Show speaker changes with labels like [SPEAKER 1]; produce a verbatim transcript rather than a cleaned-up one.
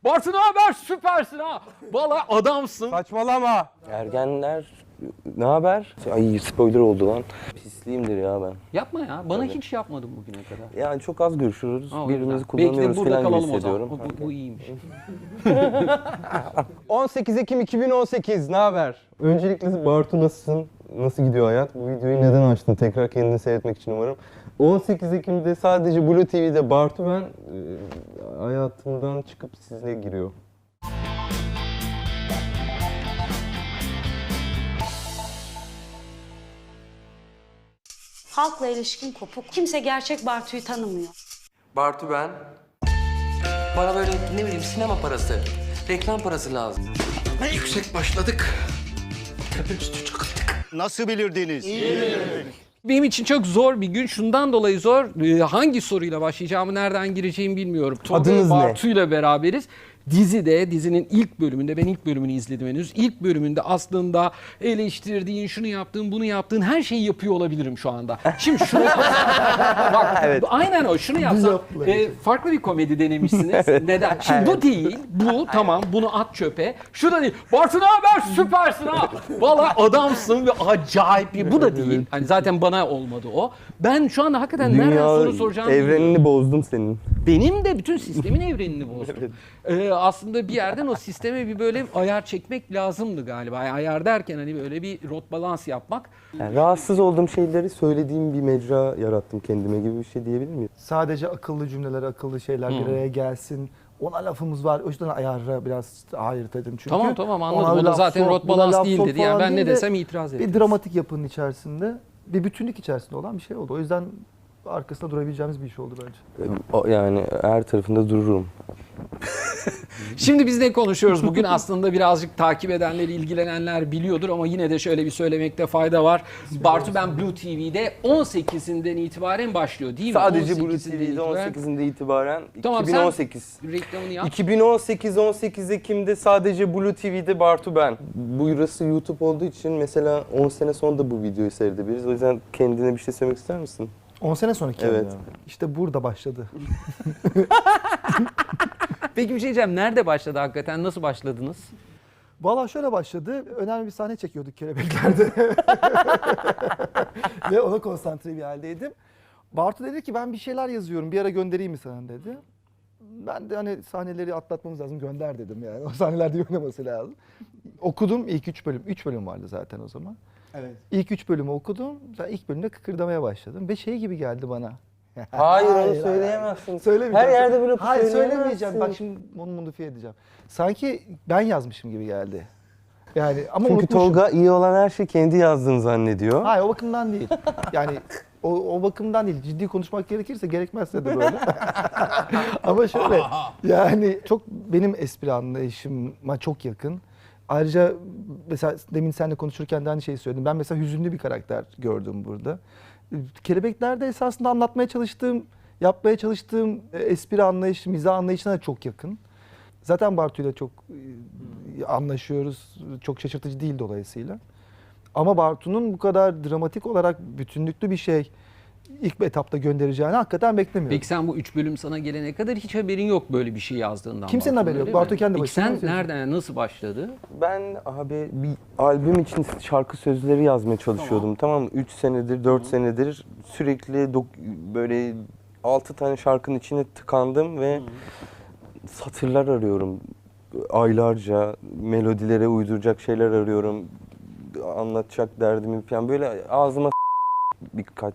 [SPEAKER 1] Bartu ne haber? Süpersin ha. Vallahi adamsın.
[SPEAKER 2] Saçmalama.
[SPEAKER 3] Ergenler ne haber? Ay spoiler oldu lan. Pisliyimdir ya ben.
[SPEAKER 1] Yapma ya. Bana hiç yapmadın bugüne kadar.
[SPEAKER 3] Yani çok az görüşürüz.
[SPEAKER 1] Ha, o
[SPEAKER 3] Birbirimizi
[SPEAKER 1] yüzden.
[SPEAKER 3] kullanıyoruz
[SPEAKER 1] Belki de burada
[SPEAKER 3] falan gibi
[SPEAKER 1] kalalım o zaman.
[SPEAKER 3] hissediyorum.
[SPEAKER 1] Bu, bu, bu iyiymiş.
[SPEAKER 2] on sekiz Ekim iki bin on sekiz ne haber?
[SPEAKER 3] Öncelikle Bartu nasılsın? Nasıl gidiyor hayat? Bu videoyu neden açtın? Tekrar kendini seyretmek için umarım. on sekiz Ekim'de sadece Blue T V'de Bartu ben e, hayatımdan çıkıp sizinle giriyor.
[SPEAKER 4] Halkla ilişkin kopuk. Kimse gerçek Bartu'yu tanımıyor.
[SPEAKER 5] Bartu ben. Bana böyle ne bileyim sinema parası, reklam parası lazım. Yüksek başladık. Tepemüstü çıktık.
[SPEAKER 6] Nasıl bilirdiniz?
[SPEAKER 1] Benim için çok zor bir gün. Şundan dolayı zor. Ee, hangi soruyla başlayacağımı, nereden gireceğimi bilmiyorum. Tolga
[SPEAKER 3] Adınız ne?
[SPEAKER 1] Bartu'yla beraberiz. Dizide, dizinin ilk bölümünde, ben ilk bölümünü izledim henüz. İlk bölümünde aslında eleştirdiğin, şunu yaptığın, bunu yaptığın her şeyi yapıyor olabilirim şu anda. Şimdi şunu bak,
[SPEAKER 3] Evet.
[SPEAKER 1] aynen o. Şunu yapsam, e, farklı bir komedi denemişsiniz. Neden? Şimdi bu değil, bu tamam, bunu at çöpe. Şu da değil. Bartu ne haber? Süpersin ha. Vallahi adamsın ve acayip bir. Bu da değil. Hani zaten bana olmadı o. Ben şu anda hakikaten nereden soru soracağımı
[SPEAKER 3] evrenini
[SPEAKER 1] bilmiyorum.
[SPEAKER 3] bozdum senin.
[SPEAKER 1] Benim de bütün sistemin evrenini bozdum. Ee, aslında bir yerden o sisteme bir böyle ayar çekmek lazımdı galiba. Yani ayar derken hani böyle bir rot balans yapmak.
[SPEAKER 3] Yani rahatsız olduğum şeyleri söylediğim bir mecra yarattım kendime gibi bir şey diyebilir miyim?
[SPEAKER 7] Sadece akıllı cümleler, akıllı şeyler bir araya gelsin. Ona lafımız var. O yüzden ayarı biraz ayırt edin çünkü.
[SPEAKER 1] Tamam tamam
[SPEAKER 7] ona
[SPEAKER 1] anladım. O da
[SPEAKER 7] laf
[SPEAKER 1] zaten
[SPEAKER 7] sok,
[SPEAKER 1] rot
[SPEAKER 7] buna
[SPEAKER 1] balans
[SPEAKER 7] laf
[SPEAKER 1] değil
[SPEAKER 7] sok
[SPEAKER 1] dedi. Yani
[SPEAKER 7] falan
[SPEAKER 1] ben ne
[SPEAKER 7] değil de
[SPEAKER 1] desem itiraz ederiz.
[SPEAKER 7] Bir dramatik yapının içerisinde, bir bütünlük içerisinde olan bir şey oldu. O yüzden arkasında durabileceğimiz bir iş oldu bence.
[SPEAKER 3] O- Yani her tarafında dururum.
[SPEAKER 1] Şimdi biz ne konuşuyoruz bugün? Aslında birazcık takip edenler, ilgilenenler biliyordur ama yine de şöyle bir söylemekte fayda var. Bartu Ben Blue T V'de on sekizinden itibaren başlıyor değil mi?
[SPEAKER 3] Sadece Blue
[SPEAKER 1] on
[SPEAKER 3] T
[SPEAKER 1] sekizinde
[SPEAKER 3] V'de
[SPEAKER 1] itibaren.
[SPEAKER 3] on sekizinde itibaren
[SPEAKER 1] Tamam,
[SPEAKER 3] iki bin on sekiz.
[SPEAKER 1] sen reklamını yap.
[SPEAKER 3] iki bin on sekiz on sekiz Ekim'de sadece Blue T V'de Bartu ben. Burası YouTube olduğu için mesela on sene sonra da bu videoyu seyredebiliriz. O yüzden kendine bir şey söylemek ister misin?
[SPEAKER 7] on sene sonraki
[SPEAKER 3] Evet.
[SPEAKER 7] yani. İşte burada başladı.
[SPEAKER 1] Peki bir şey diyeceğim. Nerede başladı hakikaten? Nasıl başladınız?
[SPEAKER 7] Valla şöyle başladı. Önemli bir sahne çekiyorduk Kelebekler'de. Ve ona konsantre bir haldeydim. Bartu dedi ki ben bir şeyler yazıyorum. Bir ara göndereyim mi sana dedi. Ben de hani sahneleri atlatmamız lazım. Gönder dedim yani. O sahnelerde oynaması lazım. Okudum ilk üç bölüm. Üç bölüm vardı zaten o zaman.
[SPEAKER 2] Evet.
[SPEAKER 7] İlk üç bölümü okudum. Zaten ilk bölümde kıkırdamaya başladım. Ve şey gibi geldi bana.
[SPEAKER 3] Hayır, onu
[SPEAKER 7] Hayır,
[SPEAKER 3] söyleyemezsin.
[SPEAKER 7] Söylemeyeceğim.
[SPEAKER 3] Her yerde böyle
[SPEAKER 7] Hayır
[SPEAKER 3] söyleyemezsin.
[SPEAKER 7] söylemeyeceğim. Bak şimdi onu modifiye edeceğim. Sanki ben yazmışım gibi geldi. Yani ama
[SPEAKER 3] Çünkü
[SPEAKER 7] unutmuşum.
[SPEAKER 3] Tolga iyi olan her şeyi kendi yazdığını zannediyor.
[SPEAKER 7] Hayır o bakımdan değil. Yani o, o bakımdan değil. Ciddi konuşmak gerekirse gerekmezse de böyle. Ama şöyle yani çok benim espri anlayışıma çok yakın. Ayrıca mesela demin seninle konuşurken de aynı şeyi söyledim. Ben mesela hüzünlü bir karakter gördüm burada. Kelebekler'de esasında anlatmaya çalıştığım, yapmaya çalıştığım e, espri anlayışı, mizah anlayışına da çok yakın. Zaten Bartu'yla çok e, anlaşıyoruz. Çok şaşırtıcı değil dolayısıyla. Ama Bartu'nun bu kadar dramatik olarak bütünlüklü bir şey ilk etapta göndereceğini hakikaten beklemiyorum.
[SPEAKER 1] Peki sen bu üç bölüm sana gelene kadar hiç haberin yok böyle bir şey yazdığından.
[SPEAKER 7] Kimsenin
[SPEAKER 1] Bartu'nun,
[SPEAKER 7] haberi yok.
[SPEAKER 1] öyle mi?
[SPEAKER 7] Bartu kendi
[SPEAKER 1] Peki
[SPEAKER 7] başına
[SPEAKER 1] sen
[SPEAKER 7] yazıyor.
[SPEAKER 1] nereden, nasıl başladı?
[SPEAKER 3] Ben abi bir albüm için şarkı sözleri yazmaya çalışıyordum. Tamam mı? üç senedir, dört senedir sürekli dok- böyle altı tane şarkının içine tıkandım ve satırlar arıyorum. Aylarca melodilere uyduracak şeyler arıyorum. Anlatacak derdimi falan. Böyle ağzıma birkaç